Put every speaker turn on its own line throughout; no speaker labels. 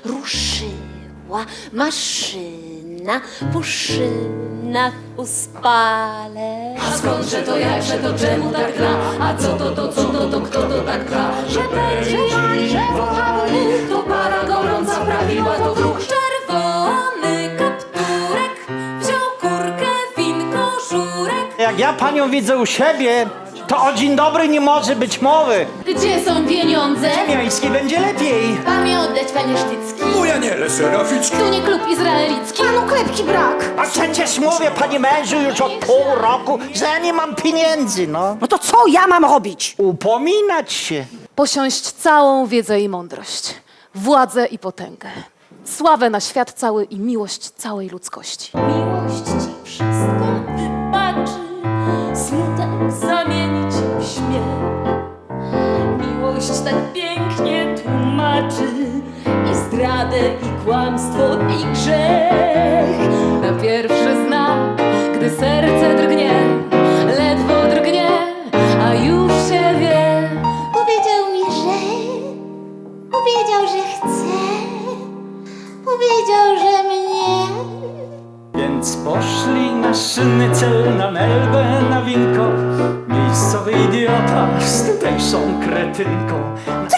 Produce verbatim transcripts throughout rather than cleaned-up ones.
ruszyła maszyna, puszyna w uspale.
A skądże to, jakże to, czemu tak gra? A co to, to, co to, to, kto to tak gra? Że będzie pani, że to para gorąca prawiła to wróg.
Czerwony kapturek wziął kurkę, winko, żurek.
Jak ja panią widzę u siebie, to o dzień dobry nie może być mowy.
Gdzie są pieniądze?
Miejski będzie lepiej.
Pan mi oddać, panie Sztycki.
Mój aniele seraficki.
Tu nie klub izraelicki.
Panu klepki brak.
A przecież mówię, panie mężu, już od pół roku, że ja nie mam pieniędzy, no.
No to co ja mam robić?
Upominać się.
Posiąść całą wiedzę i mądrość, władzę i potęgę, sławę na świat cały i miłość całej ludzkości.
Miłość ci wszystko wybaczy, smutek zamienić w śmiech. Miłość tak pięknie tłumaczy i zdradę, i kłamstwo, i grzech.
Na pierwszy znak, gdy serce drgnie, ledwo drgnie, a już się wie.
Powiedział mi, że, powiedział, że chce, powiedział, że mnie.
Więc poszli na szynny cel, na Melbę, na winko. Miejscowy idiota z tutejszą kretynką.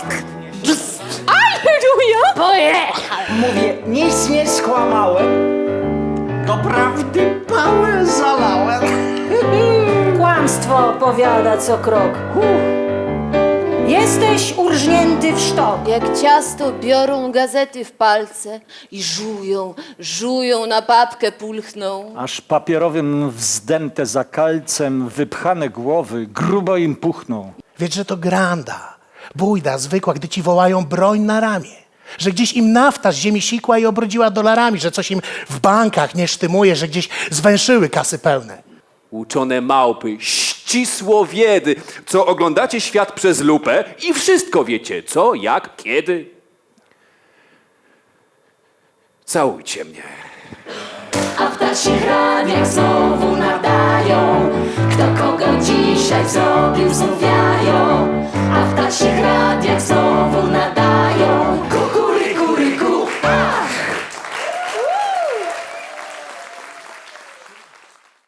Pojechał.
Mówię, nic nie skłamałem. Doprawdy pałę zalałem.
Kłamstwo opowiada co krok. Jesteś urżnięty w sztok.
Jak ciasto biorą gazety w palce i żują, żują, na papkę pulchną.
Aż papierowym wzdęte za kalcem wypchane głowy grubo im puchną.
Wiedz, że to granda, bójda zwykła, gdy ci wołają broń na ramię. Że gdzieś im nafta z ziemi sikła i obrodziła dolarami, że coś im w bankach nie sztymuje, że gdzieś zwęszyły kasy pełne.
Uczone małpy, ścisłowiedy, co oglądacie świat przez lupę i wszystko wiecie, co, jak, kiedy. Całujcie mnie.
A w ptasich radiach znowu nadają. Kto kogo dzisiaj zrobił, znów wiają.